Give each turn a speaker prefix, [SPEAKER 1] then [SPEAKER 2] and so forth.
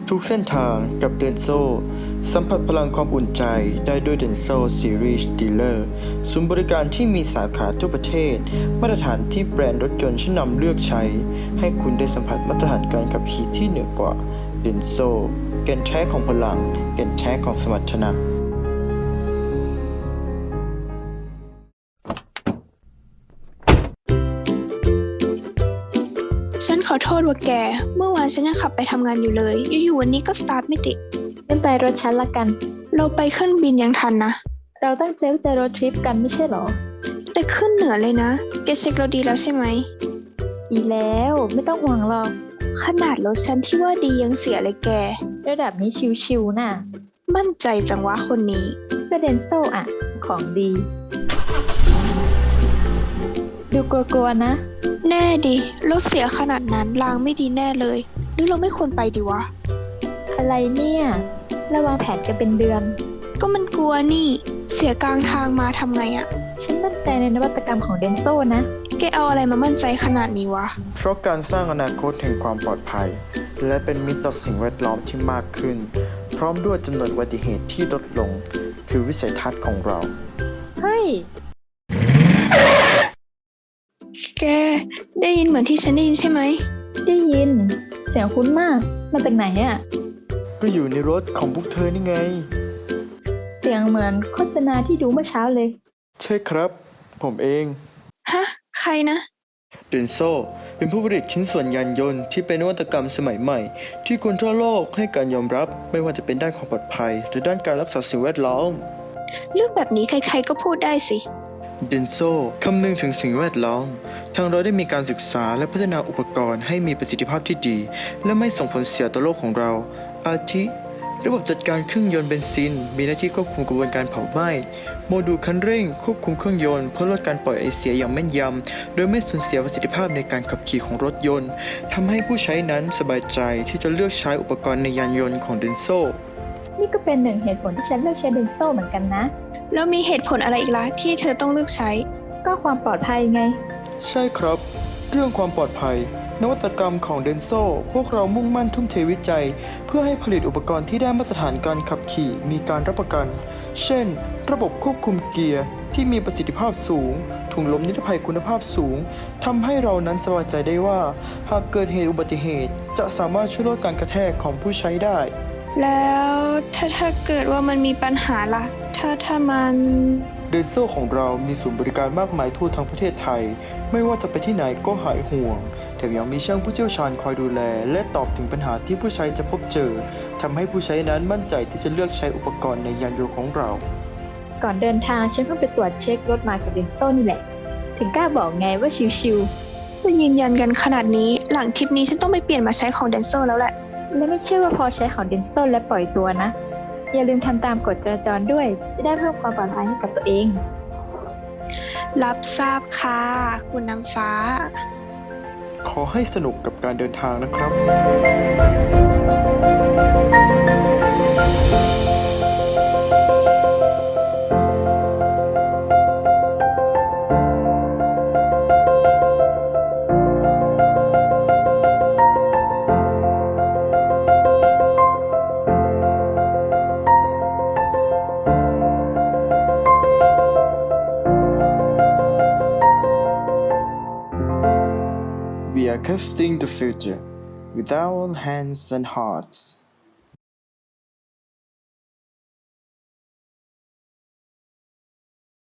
[SPEAKER 1] ทุกเส้นทางกับเดนโซสัมผัสพลังความอุ่นใจได้ด้วยเดนโซซีรีส์ดีลเลอร์ศูนย์บริการที่มีสาขาทั่วประเทศมาตรฐานที่แบรนด์รถยนต์ชั้นนำเลือกใช้ให้คุณได้สัมผัสมาตรฐานการขับขี่ที่เหนือกว่าเดนโซแก่นแท้ของพลังแก่นแท้ของสมรรถนะ
[SPEAKER 2] ฉันขอโทษว่าแกเมื่อวานฉันยังขับไปทำงานอยู่เลยอยู่ๆวันนี้ก็สตาร์ทไม่ติด
[SPEAKER 3] งั้นไปรถฉันละกัน
[SPEAKER 2] เราไปขึ้นบินยังทันนะ
[SPEAKER 3] เราตั้งใจว่าจะรถทริปกันไม่ใช่หรอ
[SPEAKER 2] แต่ขึ้นเหนือเลยนะแกเช็คเราดีแล้วใช่ไหม
[SPEAKER 3] ดีแล้วไม่ต้องห่วงหรอก
[SPEAKER 2] ขนาดรถฉันที่ว่าดียังเสียเลยแก
[SPEAKER 3] ระดับนี้ชิวๆน่ะ
[SPEAKER 2] มั่นใจจังวะคนนี้
[SPEAKER 3] ก็เดนโซอ่ะของดีดูกลัวๆนะ
[SPEAKER 2] แน่ดิรถเสียขนาดนั้นรางไม่ดีแน่เลยหรือเราไม่ควรไปดีวะ
[SPEAKER 3] อะไรเนี่ยระวังแผนกันเป็นเดือน
[SPEAKER 2] ก็มันกลัวนี่เสียกลางทางมาทำไงอะ
[SPEAKER 3] ฉันมั่นใจในนวัตกรรมของเดนโซนะ
[SPEAKER 2] แกเอาอะไรมามั่นใจขนาดนี้วะ
[SPEAKER 1] เพราะการสร้างอนาคตแห่งความปลอดภัยและเป็นมิตรต่อสิ่งแวดล้อมที่มากขึ้นพร้อมด้วยจำนวนอุบัติเหตุที่ลดลงคือวิสัยทัศน์ของเรา
[SPEAKER 3] เฮ้ย
[SPEAKER 2] แกได้ยินเหมือนที่ฉันได้ยินใช่ไหม
[SPEAKER 3] ได้ยินเสียงคุ้นมากมาจากไหนอ่ะ
[SPEAKER 1] ก็อยู่ในรถของพวกเธอนี่ไง
[SPEAKER 3] เสียงเหมือนโฆษณาที่ดูเมื่อเช้าเลย
[SPEAKER 1] ใช่ครับผมเอง
[SPEAKER 2] ฮะใครนะ
[SPEAKER 1] เดนโซเป็นผู้ผลิตชิ้นส่วนยานยนต์ที่เป็นนวัตกรรมสมัยใหม่ที่คนทั่วโลกให้การยอมรับไม่ว่าจะเป็นด้านความปลอดภัยหรือด้านการรักษาสิ่งแวดล้อม
[SPEAKER 2] เรื่องแบบนี้ใครๆก็พูดได้สิ
[SPEAKER 1] เดนโซคำนึงถึงสิ่งแวดล้อมทางเราได้มีการศึกษาและพัฒนาอุปกรณ์ให้มีประสิทธิภาพที่ดีและไม่ส่งผลเสียต่อโลกของเราอาทิระบบจัดการเครื่องยนต์เบนซินมีหน้าที่ควบคุมกระบวนการเผาไหม้โมดูลคันเร่งควบคุมเครื่องยนต์เพื่อลดการปล่อยไอเสียอย่างแม่นยำโดยไม่สูญเสียประสิทธิภาพในการขับขี่ของรถยนต์ทำให้ผู้ใช้นั้นสบายใจที่จะเลือกใช้อุปกรณ์ในยานยนต์ของเดนโซ
[SPEAKER 3] นี่ก็เป็นหนึ่งเหตุผลที่ฉันเลือกใช้เดนโซเหมือนกันนะ
[SPEAKER 2] แล้วมีเหตุผลอะไรอีกล่ะที่เธอต้องเลือกใช้
[SPEAKER 3] ก็ความปลอดภัยไง
[SPEAKER 1] ใช่ครับเรื่องความปลอดภัยนวัตกรรมของเดนโซพวกเรามุ่งมั่นทุ่มเทวิจัยเพื่อให้ผลิตอุปกรณ์ที่ได้มาตรฐานการขับขี่มีการรับประกันเช่นระบบควบคุมเกียร์ที่มีประสิทธิภาพสูงถุงลมนิรภัยคุณภาพสูงทำให้เรานั้นสบายใจได้ว่าหากเกิดเหตุอุบัติเหตุจะสามารถช่วยลดการกระแทกของผู้ใช้ได้
[SPEAKER 2] แล้วถ้าเกิดว่ามันมีปัญหาล่ะถ้ามัน
[SPEAKER 1] เดนโซของเรามีศูนย์บริการมากมายทั่วทั้งประเทศไทยไม่ว่าจะไปที่ไหนก็หายห่วงแถมยังมีช่างผู้เชี่ยวชาญคอยดูแลและตอบถึงปัญหาที่ผู้ใช้จะพบเจอทำให้ผู้ใช้นั้นมั่นใจที่จะเลือกใช้อุปกรณ์ในยานยนต์ของเรา
[SPEAKER 3] ก่อนเดินทางฉันเพิ่งไปตรวจเช็ครถมากับเดนโซนี่แหละถึงกล้าบอกไงว่าชิว
[SPEAKER 2] ๆจะยืนยันกันขนาดนี้หลังทริปนี้ฉันต้องไปเปลี่ยนมาใช้ของเดนโซแล้วแหละ
[SPEAKER 3] และไม่เชื่อว่าพอใช้ของเดนโซและปล่อยตัวนะอย่าลืมทำตามกฎจราจรด้วยจะได้เพิ่มความปลอดภัยให้กับตัวเอง
[SPEAKER 2] รับทราบค่ะคุณนางฟ้า
[SPEAKER 1] ขอให้สนุกกับการเดินทางนะครับ We are crafting the future with our hands and hearts.